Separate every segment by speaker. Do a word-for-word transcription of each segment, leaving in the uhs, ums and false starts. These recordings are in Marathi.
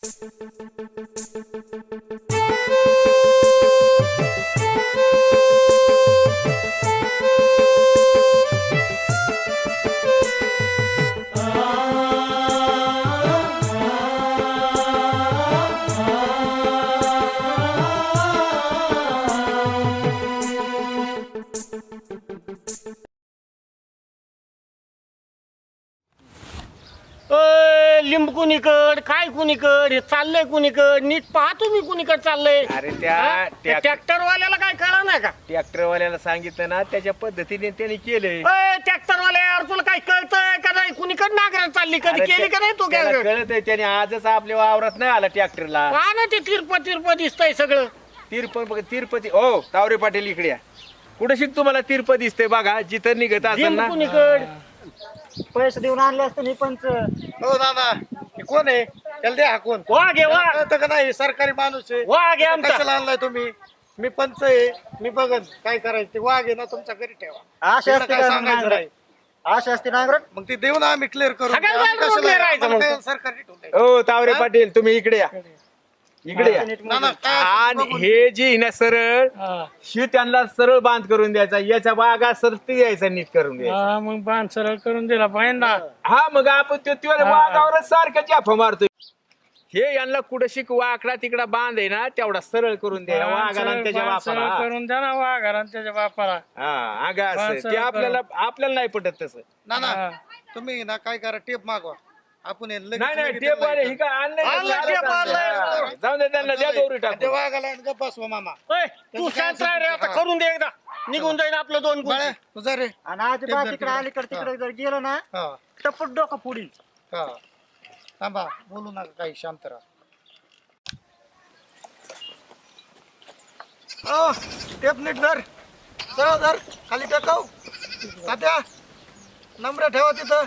Speaker 1: लिंब कुणीकड काय कुणीकड हे चाललंय कुणीकड नीट पाहा तुम्ही कुणीकड चाललंय.
Speaker 2: अरे त्या
Speaker 1: ट्रॅक्टर वाल्याला काय कळलं नाही का?
Speaker 2: ट्रॅक्टर वाल्याला सांगितलं ना त्याच्या पद्धतीने त्यांनी केलंय.
Speaker 1: ट्रॅक्टर वाल्या यार तुला काय कळतंय का नाही? कुणीकड नांगर चालली कधी केली का नाही तू?
Speaker 2: कळतंय त्याने आजच आपल्या वावरात नाही आला ट्रॅक्टरला.
Speaker 1: पहा ना ते तिरप तिरप दिसतंय सगळं.
Speaker 2: तिरप तिरुपती ओ तावरे पाटील इकडे या. कुठे शिक तुम्हाला तिरप दिसतंय बघा जिथं निघत असेल ना.
Speaker 1: कुणीकड
Speaker 3: पैसे देऊन आणले असते मी पंच.
Speaker 4: हो दादा हे कोण आहे? त्याला द्या हाकून.
Speaker 1: वाघ आहे वाघ.
Speaker 4: कळतं का नाही? सरकारी माणूस आहे.
Speaker 1: वाघ आहे आमचा.
Speaker 4: कशाला आणलाय तुम्ही? मी पंच आहे. मी बघन काय करायचं ते. वाघ आहे ना तुमच्या घरी ठेवा.
Speaker 3: आशा
Speaker 4: तिकडं
Speaker 3: असते
Speaker 4: काय
Speaker 3: का
Speaker 4: सांगायचं
Speaker 3: नांगरट?
Speaker 4: नाही.
Speaker 3: आशा असते नांगरट.
Speaker 4: मग ते देऊ ना आम्ही क्लिअर करू.
Speaker 1: सगळ्या
Speaker 4: आम्ही
Speaker 1: जागेवर
Speaker 4: कशाला-
Speaker 1: राहायचं
Speaker 4: आम्हाला
Speaker 1: मग.
Speaker 4: काय सरकारी ठेवलंय?
Speaker 2: ओ तावरे पाटील तुम्ही इकडे या. इकडे या.
Speaker 4: ना ना काय
Speaker 2: आणि
Speaker 4: असं बघून-
Speaker 2: हे जी ना सरळ शी त्यांना सरळ बांध करून द्यायचा. याच्या बागा सरती यायचा नीट करून द्यायचा.
Speaker 1: मग बांध सरळ करून दिला पाहिजे ना.
Speaker 2: हा मग आपण त्यो त्यो वाघावरच सारखं जाफा मारतोय. हे यांना कुठं शिक वाकडा तिकडा बांध आहे ना तेवढा सरळ करून द्या वाघाला आणि त्याच्या बापाला.
Speaker 1: करून द्या ना वाघाला आणि त्याच्या बापाला.
Speaker 2: हा अगं असं
Speaker 1: बांध
Speaker 2: ते
Speaker 1: सरळ
Speaker 2: आपल्याला आपल्याला नाही पटत तसं.
Speaker 4: ना ना तुम्ही ना काय करा टेप मागवा. आपण हे लगेच-
Speaker 2: नाही नाही
Speaker 4: लगेच
Speaker 2: टेप वाले ही
Speaker 4: त्याला
Speaker 2: काय आणलंय का?
Speaker 1: आणलंय
Speaker 2: चालत
Speaker 1: टेप
Speaker 2: आणलंय.
Speaker 1: आणलंय.
Speaker 2: हा. जाऊन दे त्यांना द्या दोरी
Speaker 4: ते
Speaker 2: टाकून.
Speaker 4: वाघाला आणि गप्प बसवा मामा.
Speaker 1: ओय, तू शांत राह रे आता. करून दे एकदा. निघून जाईन आपलं दोन
Speaker 4: बाळ्या
Speaker 1: गुण.
Speaker 4: तुझा रे.
Speaker 3: आणि आजोबा तिकडे अलीकडे तिकडे जर गेलो ना
Speaker 4: हा
Speaker 3: टपट डोकं पुढील.
Speaker 4: हा थांबा बोलू नका काही शांत राहा. ओ टेप नीट धर. सरळ धर. खाली टेकव. तात्या नंबर ठेवा तिथं.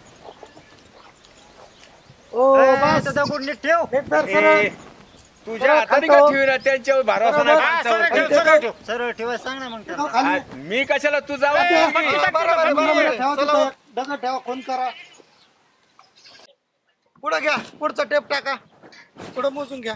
Speaker 3: ओ बस दगड नीट ठेव.
Speaker 4: नीट धर सरळ.
Speaker 2: ए, तुझ्या हाताने का ठेवीना त्यांच्यावर भरोसा नाही
Speaker 1: हा, सरळ ठेव,
Speaker 2: माणसावर.
Speaker 1: सरळ ठेव.
Speaker 3: सरळ ठेवाय सांग ना मग त्यांना.
Speaker 2: हा, मी कशाला तू जाऊ
Speaker 4: हा,
Speaker 2: दे.
Speaker 4: बरोबर आहे, बरोबर आहे. चला, दगड ठेवा. फोन करा. पुढं घ्या. पुढचा टेप टाका. पुढं मोजून घ्या.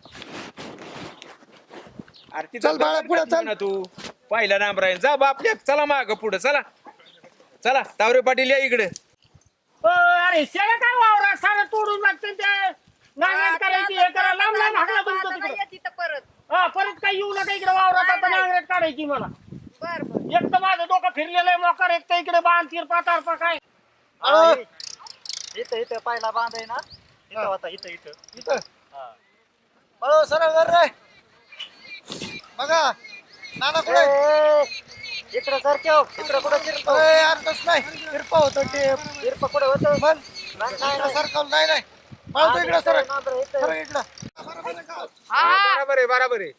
Speaker 2: अरे तिथं
Speaker 4: चल बाळा, पुढं चल.
Speaker 2: ना तू पहिला नाम राहील जा बापल्या चला माग पुढे चला चला तावरे पाटील या इकडे.
Speaker 1: ओ, अरे शेळ्या काय वावरा सारं तोडून लागते ते. नांगरट करायची हे करा. लांब लांब हाकला तुमचं तिकडं. हा परत काही येऊ नका इकडे वावरात. आता नांगरट काढायची मला. एक तर माझं डोकं फिरलेलं आहे मोकार. एक तर इकडे बांध तिरपा तारपा काय.
Speaker 3: हा, इथं इथं पहिला बांध आहे ना इथं होता. इथं इथं
Speaker 4: इथं हळू सरळ धर रे. बघा नाना कुठे?
Speaker 3: इकडं सर ठेव. इकडं कुठं तिरप
Speaker 4: अर्थच नाही. तिरपा होतं टेप.
Speaker 3: तिरप कुठं होतं?
Speaker 4: मन
Speaker 3: नाही, नाही,
Speaker 4: इकडं सरकवलं. नाही नाही पळतो इकडं सरळ. सरळ इकडं.
Speaker 2: बरोबर आहे बरोबर आहे.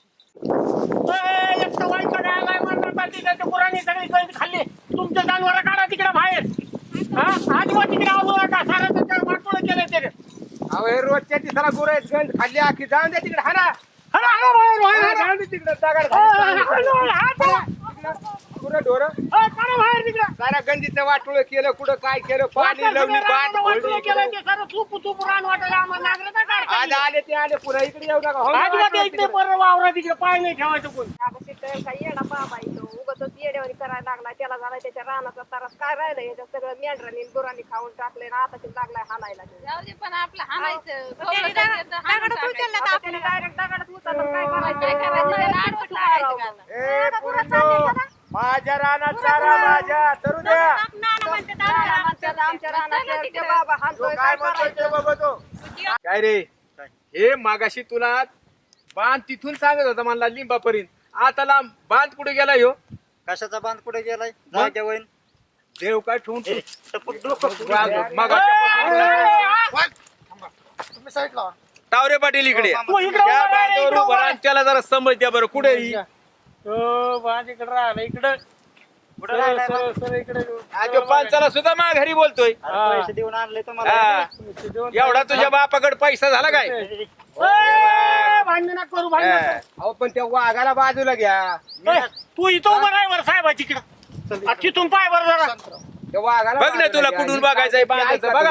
Speaker 1: ए, एक तर वाईट गायला म्हणतात बाकी काय ते पुराणी सगळी गळी खाल्ली. तुमच्या जनावर काढा तिकडे बाहेर. हा आजोबा तिकडे आवडू नका. सारं त्याच्या वाटोळं केलंय त्याने.
Speaker 2: अहो हे रोजच्या तिसरा गुरु आहेत गंज खाल्ली आखी जाऊन द्या तिकडे हाना
Speaker 1: हा, हा, बाहेर, बाहेर, बाहेर.
Speaker 2: जाऊन दे तिकडे दगड
Speaker 1: हा, हा, हा, हा, चला.
Speaker 2: पुरं ढोर
Speaker 1: हा, काढा बाहेर तिकडं.
Speaker 2: सारा गंजीचं वाटोळ केलं कुठं काय केलं पाणी
Speaker 1: वाटलं
Speaker 2: लावली
Speaker 1: सगळं
Speaker 2: बाट
Speaker 1: रानानं वाटोळं
Speaker 2: फोडली
Speaker 1: केलंय
Speaker 2: इकडे.
Speaker 1: ते सारं चूप चूप रान वाटायला आम्हाला नांगरट नाही काढता
Speaker 2: आज
Speaker 1: येत.
Speaker 2: आले ते आले पुन्हा इकडे येऊ नका हो ना,
Speaker 1: आजोबा
Speaker 2: वाटोळं
Speaker 1: इकडे
Speaker 2: तिकडे.
Speaker 1: परत वावरा तिकडे पाय नाही ठेवायचं कोण.
Speaker 5: काही येडा बाबा येतो उगाच येड्यावानी करायला लागलाय. त्याला झाला त्याच्या रानाचा तारास काय राहिलं याच्यात सगळं मेंढरांनी गुरांनी खाऊन टाकले ना. आता ते लागलाय हाणायला.
Speaker 6: जाऊ दे पण आपलं हाणायचं
Speaker 5: त्याने दगडच उचलले तर आपल्याला डायरेक्ट दगडच उचललं. काय करायचं?
Speaker 6: काय करायचं? त्याला आडवट लागायचं का आता?
Speaker 2: ए,
Speaker 5: आता गुरं
Speaker 2: पोरींनो,
Speaker 5: चालले का ना?
Speaker 2: माझ्या रानात चारा माझ्या चरू द्या.
Speaker 5: नाना म्हणतात आमच्या म्हणतात आमच्या रानात ते बाबा
Speaker 2: तो
Speaker 5: हाणतोय.
Speaker 2: काय
Speaker 5: काय
Speaker 2: म्हणतोय ते
Speaker 5: करायचं?
Speaker 2: बघ तो. काय रे हे मागाशी तुला बांध तिथून सांगत होता म्हणला लिंबापर्यंत. आता लांब बांध कुठे गेला ह्यो?
Speaker 3: कशाचा बांध कुठे गेलाय? जाग्या वैन
Speaker 2: देव काय ठेवून ठेवून.
Speaker 3: टपक डोकं पुढील.
Speaker 2: वाघ, मागाच्या
Speaker 4: वाघ. थांबा. तुम्ही साईडला व्हा.
Speaker 2: तावरे पाटील इकडे
Speaker 1: तू इकडे
Speaker 2: त्या
Speaker 1: उभा राहा,
Speaker 2: बांधावर
Speaker 1: इकडे
Speaker 2: उभा
Speaker 1: उभा
Speaker 2: राहा आणि त्याला जरा समज द्या बरं कुठे ही?
Speaker 1: हो माझ्याकडे राहिला इकडं.
Speaker 3: कुठं राहिलाय बा?
Speaker 1: सरळ, सरळ इकडे.
Speaker 2: आज तो पांचाला सुद्धा मा घरी बोलतोय.
Speaker 3: अरे पैसे देऊन आणले तुम्हाला.
Speaker 2: हा. एवढा तुझ्या बापाकडे पैसा झाला काय?
Speaker 1: ए, भांडण नका करू भांडण नका करू.
Speaker 2: अहो पण त्या वाघाला बाजूला घ्या.
Speaker 1: ए, तू इथं उभा राह वर साहेबाची इकडं. तिथून पाय वर जरा.
Speaker 2: त्या वाघाला बघ ना तुला कुठून बघायचंय बांधायचं बघा ना.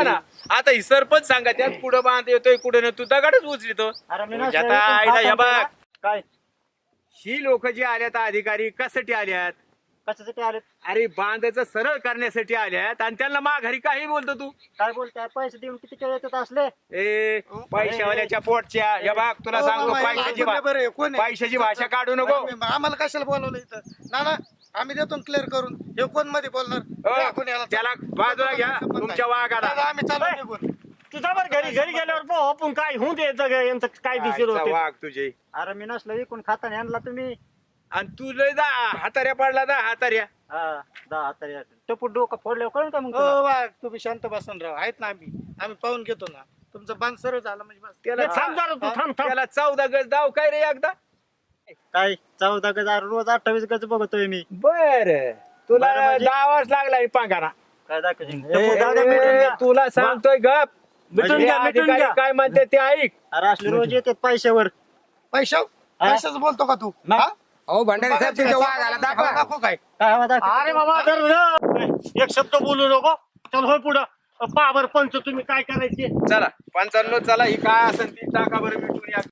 Speaker 2: आता ही सरपंच सांगा त्यात कुठं बांध येतोय कुठं नाही तू दगडच उचलितो
Speaker 3: अरे मी
Speaker 2: म्हणजे
Speaker 3: नसलं
Speaker 2: आता
Speaker 3: इकून
Speaker 2: आईला हे
Speaker 3: खाता
Speaker 2: बघ
Speaker 3: ना. काय
Speaker 2: ही लोक जी आल्यात अधिकारी कशासाठी आल्यात
Speaker 3: कशासाठी आले
Speaker 2: अरे बांधाचं सरळ करण्यासाठी आल्यात आणि त्यांना माघारी काही बोलतो तू
Speaker 3: काय बोलताय पैसे देऊन किती केळे येतात असले
Speaker 2: ए पैशावाल्याच्या पोटच्या हे बघ तुला
Speaker 4: हो,
Speaker 2: सांगतो
Speaker 4: मामा,
Speaker 2: पैशाची
Speaker 4: कोण आहे बरं आहे? कोण
Speaker 2: भा-
Speaker 4: आहे?
Speaker 2: पैशाची भाषा काढू नको
Speaker 4: आम्ही- आम्हाला कशाला बोलवलं इथं ना ना आम्ही देतो क्लिअर करून हे कोण मध्ये बोलणार
Speaker 2: हो,
Speaker 4: जा कोणी याला.
Speaker 2: त्याला बाजूला घ्या
Speaker 4: संबंध
Speaker 2: तुमच्या
Speaker 4: नाही.
Speaker 2: वाघाला
Speaker 4: दादा, आम्ही चालू निघून
Speaker 1: तुझा बरं घरी घरी गेल्यावर पाहू आपण काय होऊन द्यायचं ग, यांचं काय दिसेल
Speaker 2: आईचा
Speaker 1: होते
Speaker 2: वाघ तुझे
Speaker 3: अरे मी नसलं इकून खाता आणला तुम्ही
Speaker 2: आणि तू लय जा हाताऱ्या पडला जा हाताऱ्या
Speaker 3: हा दहा तरी टपूट डोकं फोडल्यावर कळून का मग
Speaker 4: हो
Speaker 3: तुला?
Speaker 4: वा तुम्ही शांत बसून राहा आहेत ना आम्ही आम्ही पाहून घेतो ना तुमचं बांध सरळ झालं म्हणजे बस
Speaker 2: त्याला
Speaker 1: ए, थांब जरा तू थांब थांब
Speaker 2: त्याला चौदा गज दाव काय रे एकदा
Speaker 3: काय चौदा गज अरे रोज अठ्ठावीस गज बघतोय मी
Speaker 2: बर तुला
Speaker 3: बरं म्हणजे?
Speaker 2: दावाच लागला पांघारा
Speaker 3: काय दाखवशील?
Speaker 2: ए,
Speaker 3: टपूट दादा मिटून
Speaker 2: ए,
Speaker 3: द्या.
Speaker 2: तुला सांगतोय गप
Speaker 1: मिटून
Speaker 2: म्हणजे
Speaker 1: घ्या, मिटून
Speaker 2: अधिकारी
Speaker 1: घ्या.
Speaker 2: काय म्हणते ते ऐक
Speaker 3: अरे असले रोज येतात पैशावर
Speaker 4: पैशा पैशाच बोलतो का तू
Speaker 3: नाही.
Speaker 4: हा?
Speaker 2: अहो भंडारी साहेब तुमच्या वाघाला दाखवा
Speaker 4: दाखव काय
Speaker 3: काय हवा दाखव?
Speaker 1: अरे बाबा जर एक शब्द बोलू नको चल होय पुढं पहा बरं पंच तुम्ही काय करायचे
Speaker 2: चला पंचावन्न चला ही काय असेल ती टाका बरं मिटून या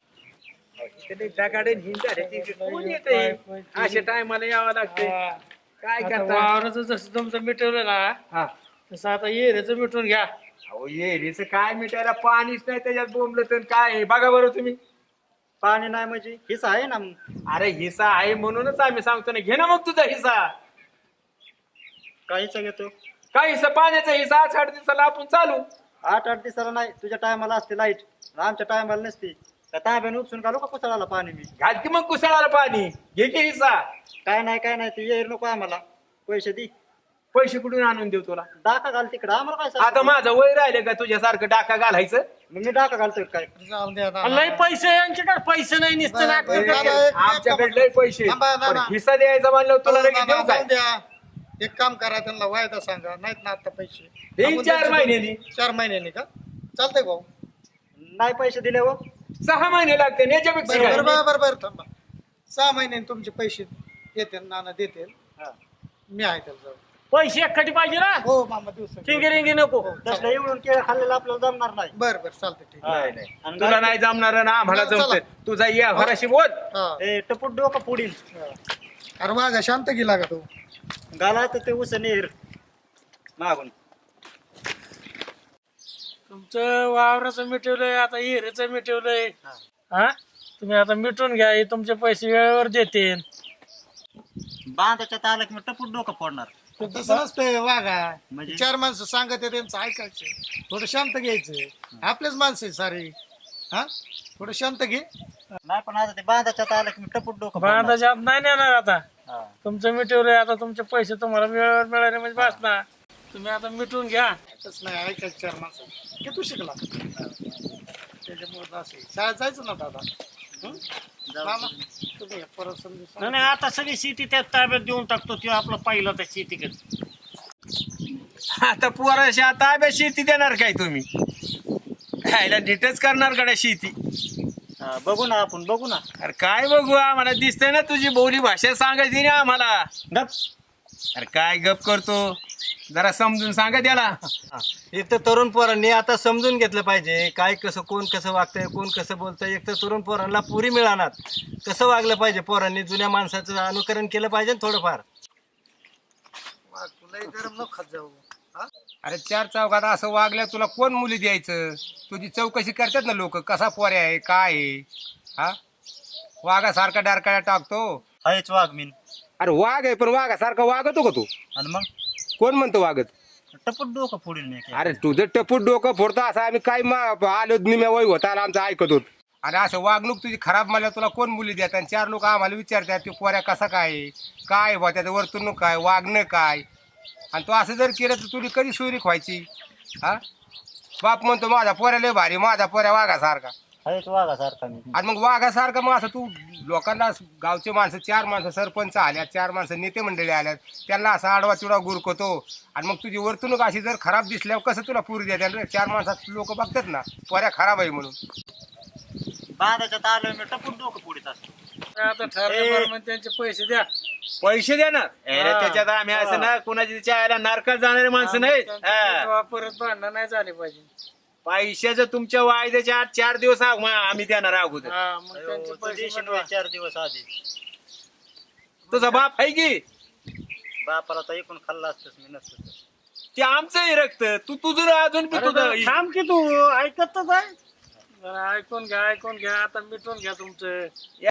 Speaker 2: अशा टायमाला यावं लागते काय करता
Speaker 7: वावराचं जसं तुमचं मिटवलं ना
Speaker 2: हा.
Speaker 7: तसं आता येऱ्याचं मिटून घ्या.
Speaker 2: अहो येरीचं काय मिटायला पाणीच नाही त्याच्यात बोंबलं तर काय आहे? बघा बरं तुम्ही
Speaker 3: पाणी नाही म्हणजे हिस्सा आहे ना मग.
Speaker 2: अरे हिस्सा आहे म्हणूनच आम्ही सांगतो ना घे ना मग तुझा हिस्सा
Speaker 3: काहीच घेतो
Speaker 2: काय हिस्सा पाण्याचा हिस्सा आठ आठ दिवसाला आपण चालू
Speaker 3: आठ आठ दिवसाला नाही तुझ्या टायमाला असते लाईट आमच्या टायमाला नसते त्या तांब्याने उपसून घालू का कुसळाला पाणी मी
Speaker 2: घाल की मग कुसळाला पाणी घे की हिस्सा
Speaker 3: काय नाही काय नाही ते येईल नको आम्हाला पैसे दे
Speaker 2: पैसे कुठून आणून देऊ तुला
Speaker 3: डाका घाल तिकडं आम्हाला काय
Speaker 2: आता
Speaker 3: सांगतो?
Speaker 2: माझं वय राहिलं का तुझ्यासारखं डाका घालायचं
Speaker 3: मग मी डाका घालतोय काय
Speaker 4: जाऊन द्या ना.
Speaker 1: लय पैसे यांच्याकडे पैसे नाही निसतं
Speaker 4: बरं,
Speaker 1: नाटकं
Speaker 4: बरं,
Speaker 1: करते.
Speaker 4: दादा, एक-
Speaker 2: आमच्याकडे लय पैसे
Speaker 4: थांबा, ना,
Speaker 2: पण
Speaker 4: ना.
Speaker 2: हिस्सा द्यायचा म्हणलं तुला
Speaker 4: हो,
Speaker 2: लगेच
Speaker 4: ना,
Speaker 2: देऊ
Speaker 4: ना,
Speaker 2: काय
Speaker 4: जाऊन द्या एक काम करा त्यांना वायदा सांगा नाहीत ना आता पैसे
Speaker 2: देईन
Speaker 4: आपण
Speaker 2: चार
Speaker 4: त्यांचे-
Speaker 2: महिन्यांनी.
Speaker 4: चार महिन्यांनी का चालतंय भाऊ
Speaker 3: नाही पैसे दिले हो
Speaker 2: सहा महिने लागते याच्यापेक्षा
Speaker 4: बरं
Speaker 2: काय?
Speaker 4: बरं बरं बरं थांबा सहा महिन्यांनी तुमचे पैसे येते नाना देते मी आहे त्याला जाऊन.
Speaker 1: पैसे एकखटी पाहिजे ना
Speaker 4: हो मामा दिवस
Speaker 1: चिंगी रिंगी नको
Speaker 3: तसलं एवढून केळं खाल्लेलं आपल्याला जमणार नाही
Speaker 4: बरं बरं चालतंय ठीक
Speaker 2: नाही नाही
Speaker 3: आणि
Speaker 2: तुला नाही जमणार ना आम्हाला
Speaker 4: चला, चला.
Speaker 2: जमत तुझा या घराशी बोल
Speaker 4: हा
Speaker 3: ए, टपूट डोकं पुढील
Speaker 4: अरे वागा शांत गेला का तू
Speaker 3: घाला तर ते उस नेर मागून
Speaker 7: तुमचं वावराचं मिटवलंय आता येऱ्याचं मिटवलंय हा तुम्ही आता मिटून घ्या हे तुमचे पैसे वेळेवर देते.
Speaker 3: बांधाच्या तालक मी टपूट डोकं फोडणार
Speaker 4: तसं नसतंय वागा
Speaker 3: म्हणजे?
Speaker 4: चार माणसं सांगत आहे त्यांचं ऐकायचं थोडं शांत घ्यायचं आपलेच माणसं आहे सारे हा थोडं शांत घे
Speaker 3: नाही पण आता ते बांधाच्या तालक मी टपूट डोकं फोडणार.
Speaker 7: बांधाच्या आत नाही नेणार आता
Speaker 3: हा.
Speaker 7: तुमचं मिटवलंय आता तुमचे पैसे तुम्हाला वेळेवर मिळाले म्हणजे बस ना तुम्ही आता मिटून घ्या.
Speaker 4: तसं नाही ऐकायचं चार माणसं की तू शिकला त्याच्यामुळे असं आहे. शाळेत जायचं ना दादा हं? मामा तुम्ही परत समजून
Speaker 1: नाही
Speaker 4: सांगा.
Speaker 1: नाही, आता सगळी शेती त्या ताब्यात देऊन टाकतो ते आपलं पाहिलं त्या शेतीकडे
Speaker 2: आता पोराशी ताब्यात शेती देणार काय तुम्ही खायला नीटच करणार गड्या शेती
Speaker 3: हा, बघू ना आपण बघू ना
Speaker 2: अरे काय बघू आम्हाला दिसतंय ना तुझी बोली भाषा सांगायची ना आम्हाला
Speaker 3: गप
Speaker 2: अरे काय गप करतो जरा समजून सांगा त्याला
Speaker 8: इथं तरुण पोरांनी आता समजून घेतलं पाहिजे काय कसं कोण कसं वागतंय कोण कसं बोलतंय एक तर तरुण पोरांना पुरी मिळणार कसं वागलं पाहिजे पोरांनी जुन्या माणसाचं अनुकरण केलं पाहिजे ना थोडंफार
Speaker 4: वा, तुलाही गरम न खात जाऊ हा
Speaker 2: अरे चार चौकात असं वागल्या तुला कोण मुली द्यायचं तुझी चौकशी करतात ना लोक कसा पोऱ्या आहे काय आहे हा वाघासारखा डारकाळ्या टाकतो
Speaker 3: हायच वाघ मीन
Speaker 2: अरे वाघ आहे पण वाघासारखा वागतो का तू
Speaker 3: आणि मग
Speaker 2: कोण म्हणतो वागत
Speaker 3: टपूट डोकं फोडील मी
Speaker 2: अरे तुझं टपूट डोकं फोडतो असं आम्ही काय मा- आलो निम्या वय होता आणि आमचं ऐकत होत आणि असं वागणूक तुझी खराब म्हणल्या तुला कोण मुली देतात आणि चार लोक आम्हाला विचारतात की पोऱ्या कसा काय आहे, काय बा त्याचं वर्तणूक काय वागणं काय आणि तू असं जर केलं तर तुझी कधी सुरीक व्हायची हा बाप म्हणतो माझा पोऱ्या लय भारी माझा पोऱ्या वाघासारखा
Speaker 3: हायच वाघासारखा मी
Speaker 2: आणि मग वाघासारखं मग असं तू लोकांना गावचे माणसं चार माणसं सरपंच आल्यात चार माणसं नेते मंडळी आल्यात त्यांना असा आडवा चिडवा गुरकतो आणि मग तुझी वर्तणूक अशी जर खराब दिसल्यावर कसं तुला पुरी देतात रे चार माणसात लोक बघतात ना पोऱ्या खराब आहे म्हणून
Speaker 3: बांधाच्या तालक मी टपूट डोकं फोडीत असतो
Speaker 7: आता ठरल्याप्रमाणे त्यांचे पैसे द्या.
Speaker 9: पैसे देणार अरे
Speaker 7: हा.
Speaker 9: त्याच्यात आम्ही असं ना कुणाच्या चायला नारकात जाणारे माणसं नाहीत
Speaker 7: त्यांचे
Speaker 9: हा.
Speaker 7: तेव्हा परत भांडणं नाही झाले पाहिजे.
Speaker 9: पैशाचं तुमच्या वायद्याच्या आत चार दिवस आग- मा- आम्ही देणार अगोदर
Speaker 7: हा मग त्यांचे
Speaker 3: तू
Speaker 7: पैसे
Speaker 3: देशील
Speaker 7: मिटवा.
Speaker 3: होय चार दिवस आधी
Speaker 9: तुझा बाप आहे की
Speaker 3: बापाला तर एकूण खाल्ला असतस मी नसतो तर.
Speaker 9: ते आमचंही रक्त तू तुझं अजून बी
Speaker 1: अरे
Speaker 9: तुझं
Speaker 1: जरा थांब की तू ऐकतच आहे
Speaker 7: जरा ऐकून घ्या ऐकून घ्या आता मिटून घ्या तुमचं.